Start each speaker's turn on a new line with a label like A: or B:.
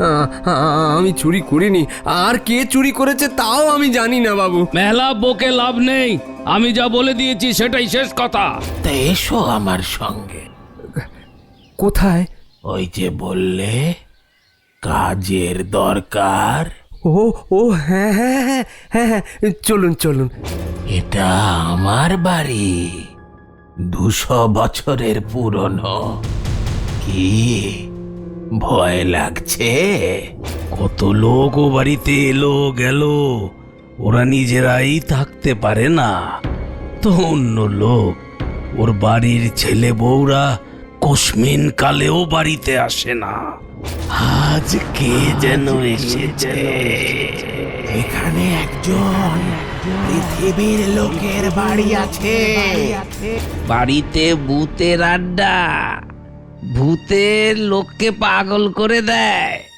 A: আমি চুরি করিনি। আর কে চুরি করেছে তাও আমি জানি না বাবু।
B: মেলা বকে লাভ নেই, আমি যা বলে দিয়েছি সেটাই শেষ কথা।
C: তা এসো আমার সঙ্গে।
A: কোথায়?
C: ওই যে বললে কাজের দরকার,
A: ও ও হ্যাঁ হ্যাঁ হ্যাঁ হ্যাঁ হ্যাঁ, চলুন চলুন।
C: এটা আমার বাড়ি, 200 বছরের পুরনো। কি ভয় লাগছে?
B: কত লোক ও বাড়িতে এলো গেল, ওরা নিজেরাই থাকতে পারে না তো অন্য লোক। ওর বাড়ির ছেলে বউরা কসমিন কালেও বাড়িতে আসে না।
C: আজ কে যেন এসেছে। এখানে একজন পৃথিবীর লোকের বাড়ি আছে।
B: বাড়িতে ভূতের আড্ডা, ভূতের লোককে পাগল করে দেয়।